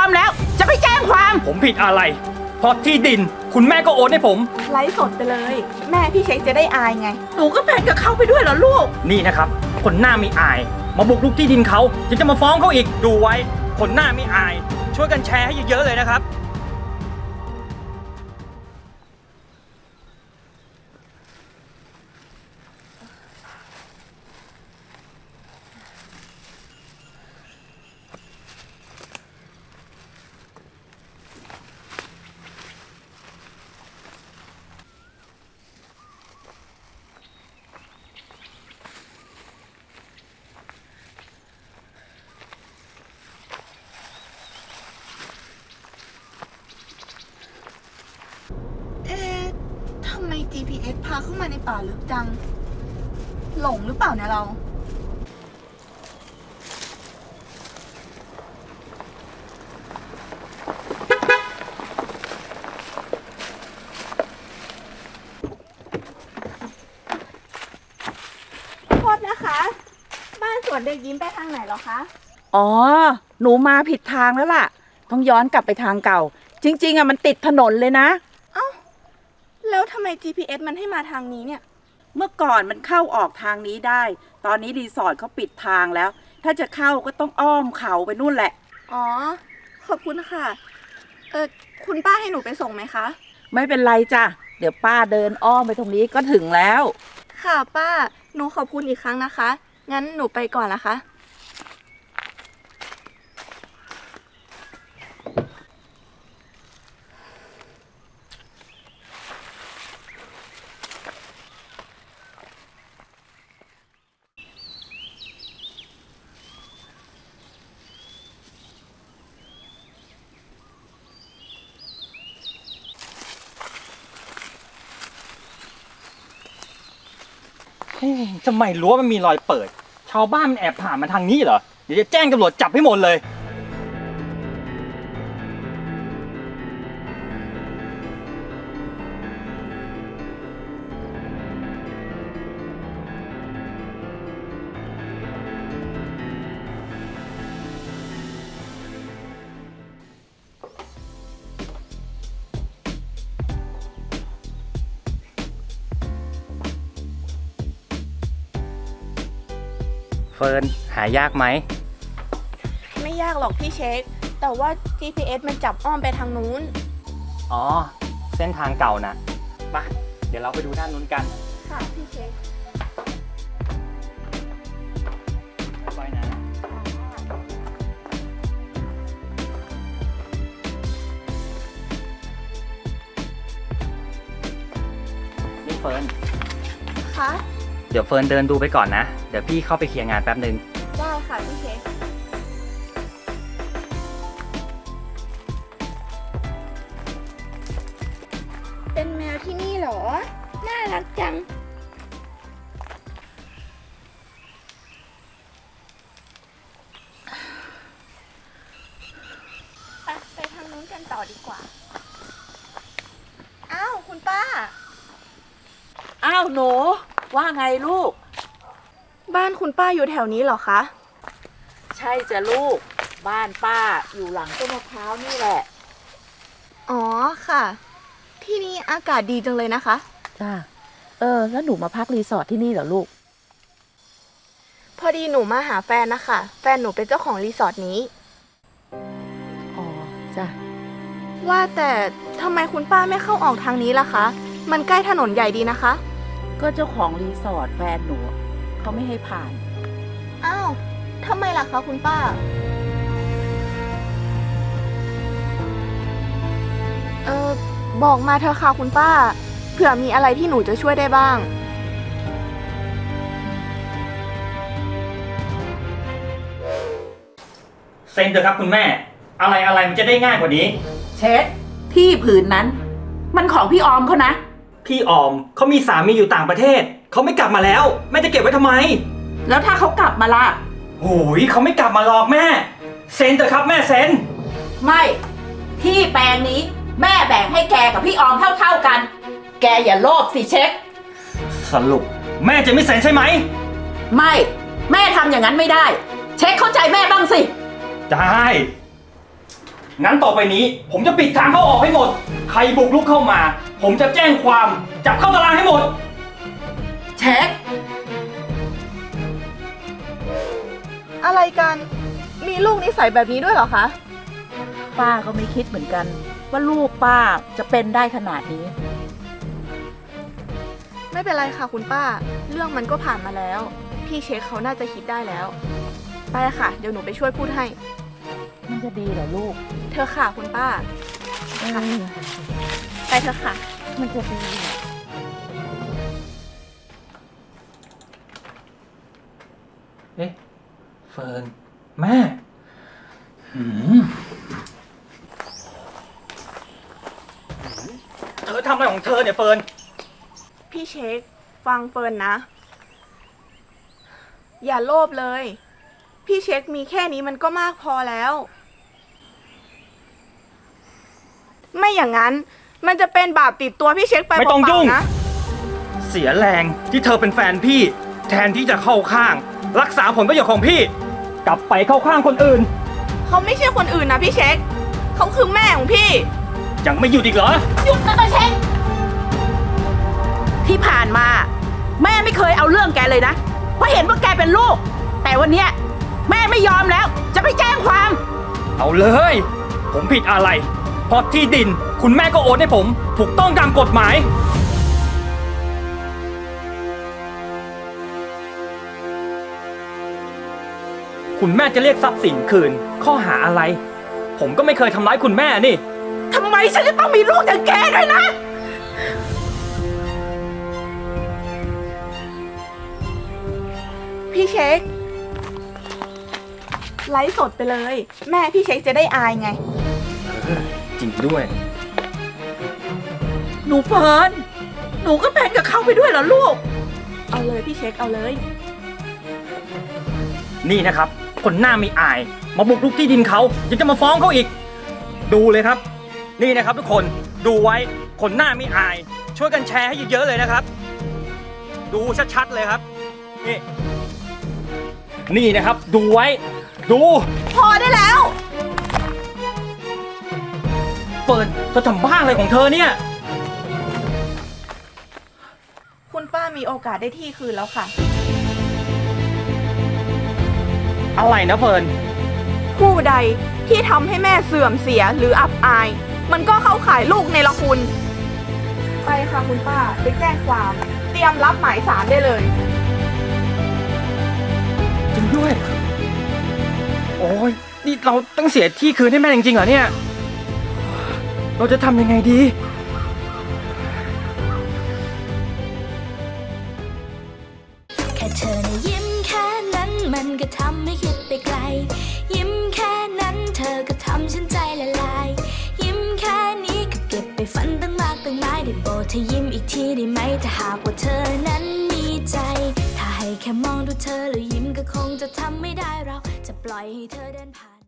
แล้ว จะไปแจ้งความผมผิดอะไรเพราะที่ดินคุณแม่ก็โอนให้ผมไลฟ์สดไปเลย แม่พี่เช็คจะได้อายไงหนูก็เป็นกับเขาไปด้วยเหรอลูกนี่นะครับ คนหน้าไม่อาย มาบุกรุกที่ดินเขาจะมาฟ้องเขาอีกดูไว้ คนหน้าไม่อาย ช่วยกันแชร์ให้เยอะๆเลยนะครับเอ๊ะทำไม GPS พาเข้ามาในป่าลึกจัง หลงหรือเปล่าเนี่ยเรา โทษนะคะ บ้านสวนเด็กยิ้มไปทางไหนเหรอคะอ๋อ หนูมาผิดทางแล้วล่ะ ต้องย้อนกลับไปทางเก่า จริงๆอะมันติดถนนเลยนะเอ้า แล้วทำไม GPS มันให้มาทางนี้เนี่ยเมื่อก่อนมันเข้าออกทางนี้ได้ ตอนนี้รีสอร์ทเขาปิดทางแล้ว ถ้าจะเข้าก็ต้องอ้อมเขาไปนู่นแหละอ๋อ ขอบคุณค่ะ คุณป้าให้หนูไปส่งไหมคะไม่เป็นไรจ้ะ เดี๋ยวป้าเดินอ้อมไปตรงนี้ก็ถึงแล้วค่ะป้า หนูขอบคุณอีกครั้งนะคะ งั้นหนูไปก่อนนะคะทำไมรั้วมันมีรอยเปิด ชาวบ้านมันแอบผ่านมาทางนี้เหรอ เดี๋ยวจะแจ้งตำรวจจับให้หมดเลย เฟิร์นหายากไหมไม่ยากหรอกพี่เช็ค แต่ว่า GPS มันจับอ้อมไปทางนู้นอ๋อ เส้นทางเก่านะไปเดี๋ยวเราไปดูด้านนู้นกันค่ะพี่เช็คไปนะ นี่เฟิร์นค่ะเดี๋ยวเฟิร์นเดินดูไปก่อนนะ เดี๋ยวพี่เข้าไปเคลียร์งานแป๊บนึงได้ค่ะพี่เช็ค เป็นแมวที่นี่เหรอ น่ารักจัง ไปทางนู้นกันต่อดีกว่า อ้าวคุณป้าอ้าวหนูว่าไงลูกบ้านคุณป้าอยู่แถวนี้เหรอคะใช่จ้ะลูก บ้านป้าอยู่หลังต้นมะพร้าวนี่แหละอ๋อค่ะ ที่นี่อากาศดีจังเลยนะคะจ้าแล้วหนูมาพักรีสอร์ทที่นี่เหรอลูกพอดีหนูมาหาแฟนนะคะ แฟนหนูเป็นเจ้าของรีสอร์ทนี้อ๋อ จ้ะว่าแต่ทำไมคุณป้าไม่เข้าออกทางนี้ล่ะคะ มันใกล้ถนนใหญ่ดีนะคะก็เจ้าของรีสอร์ทแฟนหนูเขาไม่ให้ผ่านอ้าวทำไมล่ะคะคุณป้า บอกมาเถอะค่ะคุณป้า เผื่อมีอะไรที่หนูจะช่วยได้บ้างเซ็นเถอะครับคุณแม่ อะไรมันจะได้ง่ายกว่านี้เช็คที่ผืนนั้น มันของพี่ออมเขานะพี่ออมเขามีสามีอยู่ต่างประเทศ เขาไม่กลับมาแล้ว แม่จะเก็บไว้ทำไมแล้วถ้าเขากลับมาล่ะโอ้ยเขาไม่กลับมาหรอกแม่ เซ็นเถอะครับแม่เซ็นไม่ ที่แปลงนี้แม่แบ่งให้แกกับพี่ออมเท่าๆกัน แกอย่าโลภสิเช็คสรุปแม่จะไม่เซ็นใช่ไหมไม่ แม่ทำอย่างนั้นไม่ได้ เช็คเข้าใจแม่บ้างสิได้งั้นต่อไปนี้ ผมจะปิดทางเข้าออกให้หมด ใครบุกรุกเข้ามา ผมจะแจ้งความจับเข้าตารางให้หมดเช็คอะไรกัน มีลูกนิสัยแบบนี้ด้วยเหรอคะป้าก็ไม่คิดเหมือนกัน ว่าลูกป้าจะเป็นได้ขนาดนี้ไม่เป็นไรค่ะคุณป้า เรื่องมันก็ผ่านมาแล้ว พี่เช็คเขาน่าจะคิดได้แล้ว ไปค่ะ เดี๋ยวหนูไปช่วยพูดให้มันจะดีเหรอลูกเธอค่ะคุณป้า ไปเถอะค่ะมันจะดีเหรอเอ๊ะ เฟิร์น แม่เธอทำอะไรของเธอเนี่ยเฟิร์นพี่เช็ค ฟังเฟิร์นนะ อย่าโลภเลย พี่เช็คมีแค่นี้มันก็มากพอแล้ว ไม่อย่างนั้น มันจะเป็นบาปติดตัวพี่เช็คไปไม่ต้องยุ่งเปล่าๆนะเสียแรงที่เธอเป็นแฟนพี่ แทนที่จะเข้าข้าง รักษาผลประโยชน์ของพี่ กลับไปเข้าข้างคนอื่นเขาไม่ใช่คนอื่นนะพี่เช็ค เขาคือแม่ของพี่ยังไม่หยุดอีกเหรอหยุดนะตาเช็คที่ผ่านมา แม่ไม่เคยเอาเรื่องแกเลยนะ เพราะเห็นว่าแกเป็นลูก แต่วันเนี้ยแม่ไม่ยอมแล้ว จะไปแจ้งความเอาเลย ผมผิดอะไร เพราะที่ดิน คุณแม่ก็โอนให้ผม ถูกต้องตามกฎหมาย คุณแม่จะเรียกทรัพย์สินคืน ข้อหาอะไร ผมก็ไม่เคยทำร้ายคุณแม่นี่ทำไมฉันจะต้องมีลูกอย่างแกด้วยนะพี่เช็ค ไลฟ์สดไปเลย แม่พี่เช็คจะได้อายไงจริงด้วยหนูเฟิร์น หนูก็เป็นกับเขาไปด้วยเหรอลูกเอาเลยพี่เช็คเอาเลยนี่นะครับ คนหน้ามีอาย มาบุกรุกที่ดินเขายังจะมาฟ้องเขาอีก ดูเลยครับ นี่นะครับทุกคนดูไว้คนหน้ามีอาย ช่วยกันแชร์ให้เยอะๆเลยนะครับ ดูชัดๆเลยครับ นี่นะครับ ดูไว้ ดูพอได้แล้วเปิดจะทำบ้าอะไรของเธอเนี่ยคุณป้ามีโอกาสได้ที่คืนแล้วค่ะอะไรนะเฟิร์นผู้ใดที่ทำให้แม่เสื่อมเสียหรืออับอาย มันก็เข้าข่ายลูกในละคุณ ไปค่ะคุณป้าไปแจ้งความ เตรียมรับหมายสารได้เลยจริงด้วย โอ้ยนี่เราต้องเสียที่คืนให้แม่จริงๆเหรอเนี่ย เราจะทำยังไงดีแค่เธอนะยิ้มแค่นั้นมันก็ทำให้คิดไปไกล ยิ้มแค่นั้นเธอก็ทำฉันใจละลาย ยิ้มแค่นี้ก็เก็บไปฝันตั้งมากตั้งหลายได้โปรดเธอยิ้มอีกทีได้ไหมถ้าหากว่าเธอนั้นมีใจ ถ้าให้แค่มองดูเธอแล้วยิ้มก็คงจะทำไม่ได้เราจะปล่อยให้เธอเดินผ่าน